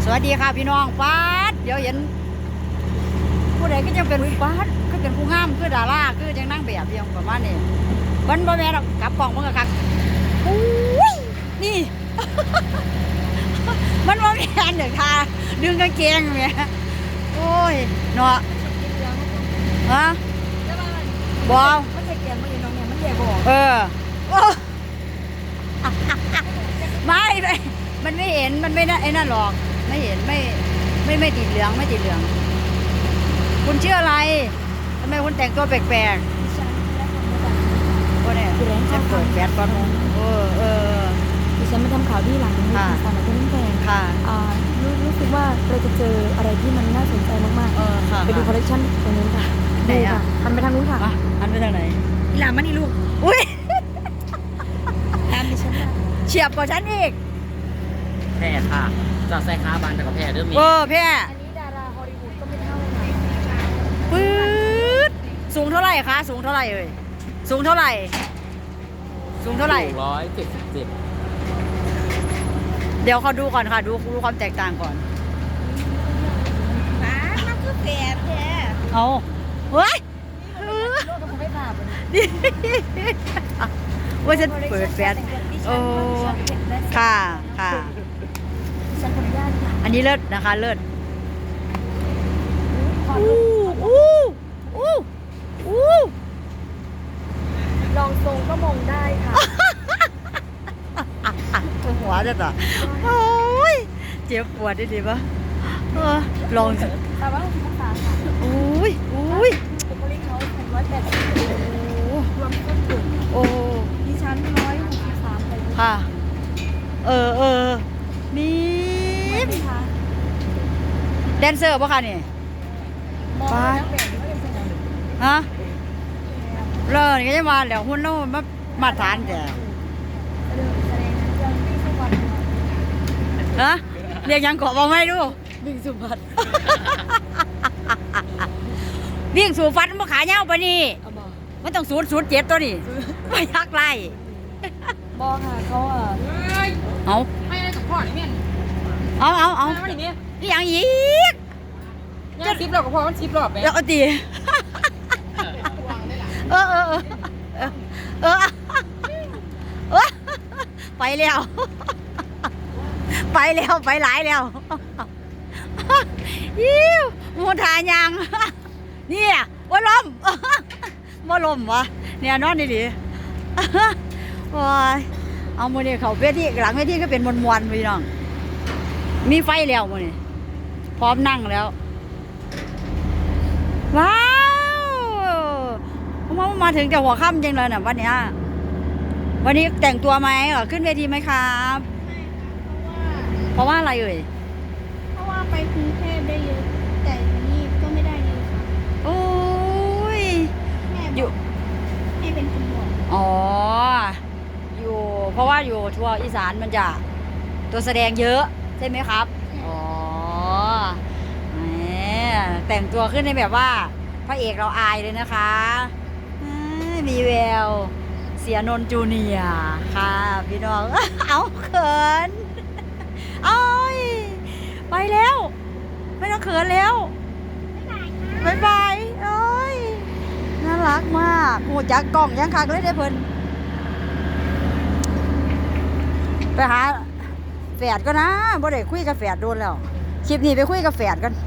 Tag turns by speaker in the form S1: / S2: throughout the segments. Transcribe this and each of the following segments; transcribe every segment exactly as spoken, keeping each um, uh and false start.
S1: วัสดีค่ะพี่น้องป้าดเดี๋ยวเห็นผู้ใดก็จะเป็นป้าดก็เป็นผู้งามคือดาราคือจังนั่งแบบเพียงประมาณนี้วันบ่แม่นกลับกล่องมันก็คักอุ้ยนี่ มันบ่แม่นเด้อค่ะดึงกางเกงแม่โอ้ยเนาะฮะบ่
S2: มันจะเกี่ยงมันอยู่ตรงนี้มันเกี่ยงบ่
S1: เออไม่ไม่มันไม่เห็นมันไม่น่าไอ้นั่นหรอกไม่เห็นไม่ไม่ไม่ติดเหลืองไม่ติดเหลืองคุณชื่ออะไรทำไมคุณแต่งตัวแปลกๆก็เนี่ยฉันเปิดแฟลชก่อนเออเออ
S2: ดิฉันมาทำข่าวที่หลังนี้สถานที่นั่นแพง
S1: ค่ะ
S2: อ่ารู้รู้สึกว่าเราจะเจออะไรที่มันน่าสนใจมาก
S1: เออค่ะ
S2: ๆไปดูคอลเลคชันตรงนู้นค่ะ
S1: ไหนอ่ะ
S2: หันไปทางนู้นค่ะ
S1: อ่ะอันไปทางไหน
S2: อีหลามันนี่ลูก
S1: อุ้ย
S2: ตามดิฉันมา
S1: เฉียบกว่าฉันอีก
S3: แพร่ค่ะจอดใส่ขาบานแต่กับแพร่เริ่มมี
S1: เออแพ่
S2: อันนี้ดาราฮอลลีวูดก็ไม่เท่าไหร่
S1: ปื๊ดสูงเท่าไหร่คะสูงเท่าไหร่เอ่ยสูงเท่าไหร่ สูงเท่าไหร่
S3: ร้อยเจ็ดสิบเจ็ด
S1: เดี๋ยวเขาดูก่อนค่ะดูดูความแตกต่างก่อน
S2: ป้ามันคือแฝดแท้
S1: เอาเฮ้ย
S2: โลกมันไม่บาป
S1: นี่ว่าฉันเปิดแฟลชโอ้ค่ะค่ะ
S2: ฉันขออนุญาตค่ะ
S1: อันนี้เลิศนะคะเลิศ
S2: ขอ
S1: อู้อู้อู้อู้
S2: ลองทรงก็มองได้ค่ะ
S1: หัวจะต่อโอ้ยเจ็บปวดได้ดีปะเออลองสิ
S2: แต่ว่าภาษาค่ะ
S1: อุ้ยอุ้ย
S2: บุคลิกเขาเป็นร้อยแปดสิบ
S1: โอ้
S2: รวมต้นทุน
S1: โอ้
S2: ดิฉันร้อยหกสิบสามเลย
S1: ค่ะ เออเออนี่
S2: ไหมคะ
S1: แดนเซอร์ปะคะนี่
S2: มองแล้วแบบนี้ว่าเป็นยังไง
S1: ฮะเลิศก็จะมาแล้วหุ่นเรามามาทานแต่
S2: เดินแสดงนะยังไม่สักวัน
S1: ฮะเรียกยังเกาะบอกไม่ดู
S2: วิ่งสุพรรณ
S1: วิ่งสู่ฟันมาขาเงาไปนี่
S2: เอาบอก
S1: มันต้องศูนย์ศูนย์เจ็ดตัวนี่ไม่ยักไล่
S2: บอกค่ะเขาอ่ะ
S1: เอา
S3: ไม่ได้กับพ่อนี่แม่น
S1: เอาเอาเอา
S3: ไม่ได้เนี่ย
S1: นี่ยังอีก
S3: งานซิปรอบกับพ่อมันซิปรอบไป
S1: เดี๋ยวเอาตีเออเออเออเออเออไปแล้วไปแล้วไปหลายแล้วยิ้วมูทายังเนี่ยว่าลมว่าลมวะเนี่ยนอนดีดีว้ายเอาโมนี่เขาเวทีหลังเวทีก็เป็นมวลมวลพี่น้องมีไฟแล้วโมนี่พร้อมนั่งแล้วว้าวมามาถึงแต่หัวค่ำจริงเลยนะวันนี้วันนี้แต่งตัวไหมเหรอขึ้นเวทีไหมครับเพราะว่าอะไรเอ่ย
S4: เพราะว่าไปกรุงเทพได้เยอะ แต่นี่ก็ไม่ได้เยอะค่ะ
S1: โอ้ย
S4: แม่
S1: อบ ยู่
S4: อกให้เป็นคนบอก
S1: อ๋ออยู่เพราะว่าอยู่ทัวร์อีสานมันจะตัวแสดงเยอะใช่ไหมครับอ๋อแหมแต่งตัวขึ้นในแบบว่าพระเอกเราอายเลยนะคะเอ้ยมีแววเสียนนท์จูเนียร์ค่ะพี่น้อง เอาเขินโอ้ยไปแล้ว ไม่ต้องเขินแล้วบายบายโอ้ยน่ารักมากโหจักกล่องยังคักเลยได้เพิ่นไปหาแฝดก็นะบ่ได้คุยกับแฝดโดนแล้วคลิปนี้ไปคุยกับแฝดกัน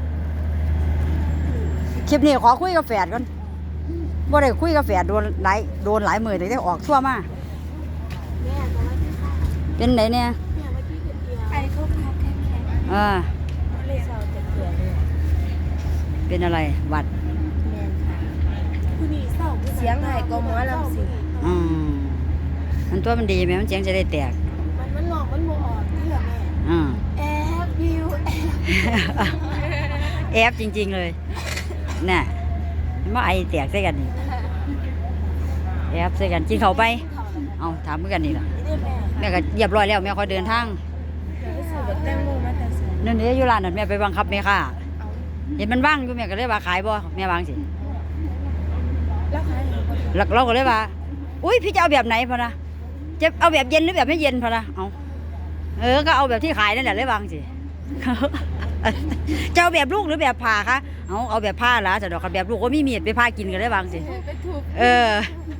S1: คลิปนี้ขอคุยกับแฝดกันบ่ได้คุยกับแฝดโดนหลายโดนหลายหมื่นแต่ได้ออกทั่วมา
S4: แม่ก็ว่าที่ค่ะ
S1: เป็นไหนเนี่ย
S4: เนี่ยเมื่อกี้เกิดเดียวไปเขาคับแค่แค่
S1: อ่า
S2: เลยเศร้าจะเกลือเลย
S1: เป็นอะไรหวัด
S2: แมนค่ะ
S4: คุณนี่เศร้า
S2: เสียงไห่ก็หมอลำสิ
S1: อืมมันตัวมันดีไหมมันเสียงจะได้แตก
S4: มันมันหลอกมันโมออกที่เหรอแม่
S1: อ่า
S4: แอบวิวแอบ
S1: แอบจริงๆเลยน่ะมาไอแตกใส่กันนี่แอบใส่กันกินเขาวไปเอาถามเพื่อนกันนี่ล่ะ
S4: นี่แม่
S1: แม่ก็เรียบร้อยแล้วแม่คอยเดินทาง
S2: สื่อแบบแตงโมมาแต่เสือ
S1: นั่นนี่อยู่ร้านนั่นแม่ไปบังคับแม่ค่ะเห็นมันว่างอยู่แม่ก็เลยว่าขายบ่แม่วางสิ
S2: แล้วใครเห็นคน
S1: แล้วเราก็เลยว่าอุ้ยพี่จะเอาแบบไหนพอนะจะเอาแบบเย็นหรือแบบไม่เย็นพอนะเอาเออก็เอาแบบที่ขายนั่นแหละเลยวางสิ
S2: เ
S1: จะเอาแบบลูกหรือแบบผ่าคะเอาเอาแบบผ้าละจะดอกกับแบบลูกก็มีมีดไปผ้ากินกันได้บางสิ
S4: ไปถูก
S1: เออ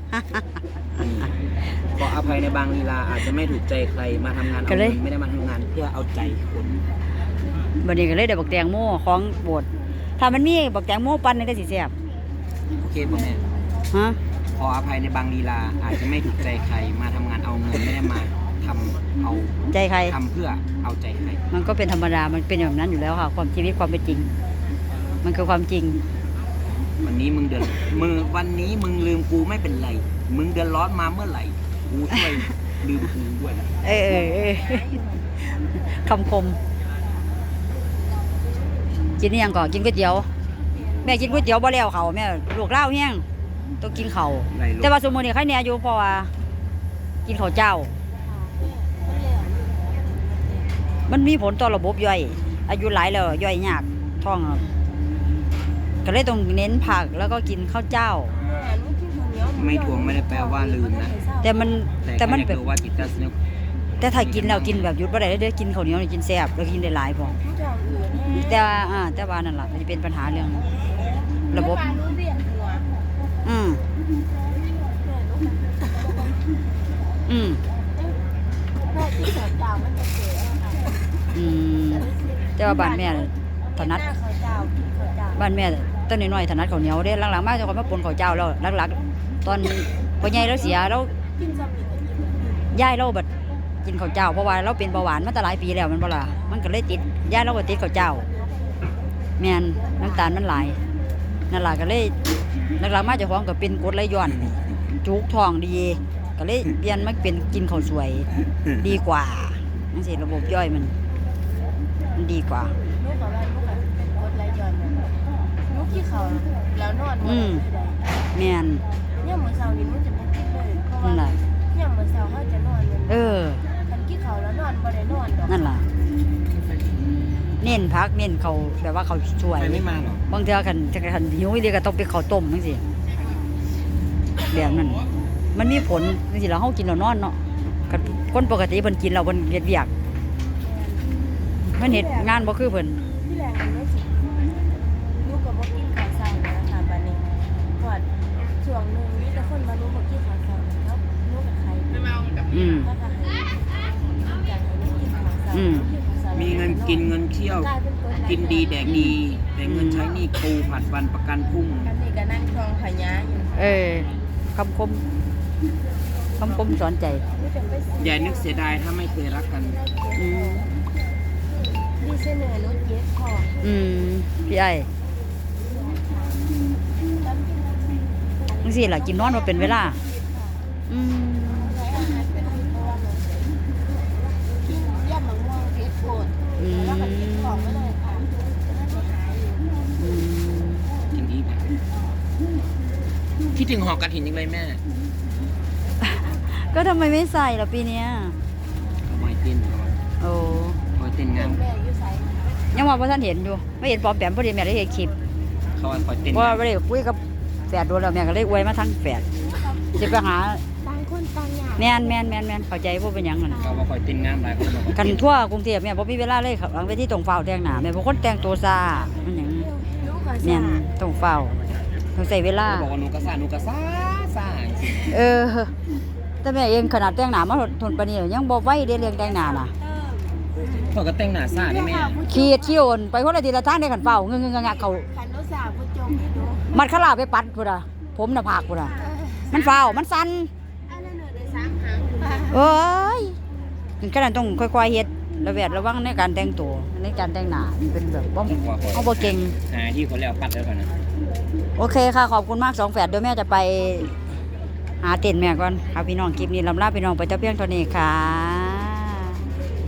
S3: ขออภัยในบางลีลาอาจจะไม่ถูกใจใครมาทำงาน
S1: ก็
S3: เอา
S1: เลย
S3: เงินไม่ได้มาทำงานเพื่อเอาใจคน
S1: บัดนี้ก็เลยได้บักแตงโมของโบดถ้ามันมีบักแตงโมปั่นนี่ก็สิแซ่บ
S3: โอเคป่ะแม่
S1: ฮะ
S3: ขออภัยในบางลีลาอาจจะไม่ถูกใจใครมาทำงานเอาเงินไม่ได้มาทำเอา
S1: ใจใคร
S3: ทำเพื่อเอาใจใคร
S1: มันก็เป็นธรรมดา มันเป็นแบบนั้นอยู่แล้วค่ะ ความชีวิตความเป็นจริง มันคือความจริง
S3: วันนี้มึงเดือดมึงวันนี้มึงลืมกูไม่เป็นไร มึงเดือดร้อนมาเมื่อไหร่กูช่วยลืมกูด้วยนะ
S1: เออเออเออคำคม กินนี่ยังก่อนกินก๋วยเตี๋ยว แม่กินก๋วยเตี๋ยวบ่แล้วเขาแม่ลูกเล่าวแห้งต้องกินเขาว
S3: ไรลูก
S1: แต่ว่าสมมุตินี่ใครแหน่อยู่เพราะว่า กินข้าวเจ้า มันมีผลต่อระบบย่อย อายุหลายแล้วย่อยยากท้องอะก็เลยต้องเน้นผักแล้วก็กินข้าวเจ้า
S3: ไม่ทวงไม่ได้แปลว่าลืมนะ
S1: แต่มันแต่มัน
S3: แค่
S1: แบ
S3: อยาก
S1: บ
S3: รู้ว่าจิตใจสนุก
S1: แต่ถ้ากินแล้วกินแบบหยุดบ่ได้เด้อกินข้าวเหนียวนี่กินแซ่บแล้วกินได้หลายพอแต่ว่าอ่าแต่ว่านั่นล่ะมันจะเป็นปัญหาเรื่อง ระบบ อืมอืมอืมแต่ว่าบ้านแม่ถนัดบ้านแม่ต้นน้อยๆถนัดข้าวเหนียวเด้หลังๆมาจะคนมาปนข้าวเจ้าแล้วหลักๆตอนพ่อใหญ่แล้วเสียแล้วย้ายเราแบบกินข้าวเจ้าเพราะว่าเราเป็นเบาหวานมาตั้งหลายปีแล้วมันบ่ล่ะมันก็เลยติดย้ายเราก็ติดข้าวเจ้าแม่นน้ำตาลมันหลายนั่นล่ะก็เลยหลังๆมาเจ้าของก็เป็นกรดไหลย้อนจุกท้องดีก็เลยเปลี่ยนมาเป็นกินข้าวสวยดีกว่าจังซี่ระบบย่อยมันมันดีกว่า
S4: ลูกของเราลูกกับเป็นกดไหลย้อนลูกที่เขาแล้วนอน
S1: อืมแม่น
S4: เนี่ยเหมือนเสาร์นี้มันจะไม่กินเลยเพราะ
S1: นั่น
S4: ว่า
S1: ล่ะ
S4: เนี่ยเหมือนเสาร์เขาจะนอนเลย
S1: เออ
S4: คันกี้เขาแล้วนอนบ่ได้นอนดอก
S1: นั่นล่ะ เน้นพักเน้นเขาแบบว่าเขาช่วย
S3: ใครไม่มาหรอก
S1: บางเทื่อคันคันคันหิวอีเดียก็ต้องไปข้าวต้มจังซี่แบบนั้นมันมีผลจังซี่แล้วเฮากินแล้วนอนเนาะคันคนปกติเพิ่นกินแล้วเพิ่นเฮ็ดเวียกเพิ่นเฮ็ดงานบ่คือเพิ่น
S4: ที่แรกมันไม่สิลูกก็บ่กินข้าวเช้านะคะบัดนี้พอดช่วงหนึงมีแต่คนมารู้บ่กินข้าวเช้าแล้วลูกกับใคร
S1: อืม
S4: ถ้าก็ให้อยากให้ลูกกินข้าวเช้า
S1: อืม
S4: กินข้าวเช้า
S3: มีเงินกินเงินเที่ยว
S4: กลายเป็นกดไหลย้อน
S3: กินดีแดกดี แต่เงินใช้หนี่ครูผัดวันประกันพรุ่ง
S4: อันนี้ก็นั่งทองพญาอยู่
S1: เออคำคมคำคมสอนใจ
S4: ไม่จะไปซื้อ
S3: อย่านึกเสียดายถ้าไม่เคยรักกัน
S1: อืม
S4: ดีเสนอรถเย็บพอ
S1: อืมพี่ไอ้จังซี่ล่ะกินนอนบ่เป็นเวลาอืม
S4: กินย่ำมะม่วงเพชรโผด
S1: อืม
S4: แล้วก็กินของไม่เลยค่ะจะได้ไม่หายอยู่
S1: อืม
S3: กินดีแบบคิดถึงหอกกระถินยังเลยแม่
S1: ก็ทำไมไม่ใส่ล่ะปีเนี้ย
S3: เอาไว้เต้นก่อน
S1: โอ้
S3: เอาไว้เต้นงาม
S4: แม่อยู่ไส
S1: ยังว่าพ่ท่านเห็นอยู่ไม่เห็นปลอมแปมพอดีแม่ได้เห็นคลิป
S3: เขาว่าคอยเต้น
S1: เพราะ
S3: งา
S1: ว่าม ไม่ได้คุยกับแฝดโดนแล้วแม่ก็เลยอวยมาทั้งแฝดจะไปหา
S4: ต่างคนต่างอย่าง
S1: แมนแมนแมนแมนเข้าใจพวกเป็นหยังนั่น
S3: เขาว่าคอยเต้นงามหลายคนบอกว่า
S1: กันทั่วกรุงเทพแม่บ่มีเวลาเลยครับหลังไปที่ตรงเฝ้าแต่งหน้าแม่เป็นคนแต่งตัวซามันหยัง
S4: ลูกกับ
S1: แม่น
S4: สา
S1: ต้องเฝ้าต้องใส่เวลา
S3: เขาบอกว่าหนูกระซ่าหนูกระซ่าซ่าจริง
S1: เออ แต่แม่เองขนาดแต่งหน้ามาทนปานนี้ยังบ่ไหวเด้เรื่องแต่งหน้าน่ะ
S3: เขาก็แต่งหน้าซ่าได้แม่
S1: ขี้ขี้โอนไปคนละทีละทางได้กันเฝ้าเงงๆๆๆเขา
S4: ขันรถสาวผู้จมให้ดู
S1: มัดขลาไปปัดพุ่นน่ะผมน่ะผากพุ่นน่ะมันเฝ้ามันสั่น
S4: อันนั้นน่ะได้สามหางอยู่นะ
S1: เอ้ยถึงขนาดต้องค่อยๆเฮ็ดระแวดระวังในการแต่งตัวในการแต่งหน้ามันเป็นแบบบ่เอาบ่เก่ง
S3: หาที่เขาแล้วปัดแล้วกันนะ
S1: โอเคค่ะ ขอบคุณมากสองแฝดเดี๋ยวแม่จะไปหาเต็นท์แม่ก่อนค่ะพี่น้องคลิปนี้ลำลาพี่น้องไปเจ้าเพียงเท่านี้ค่ะ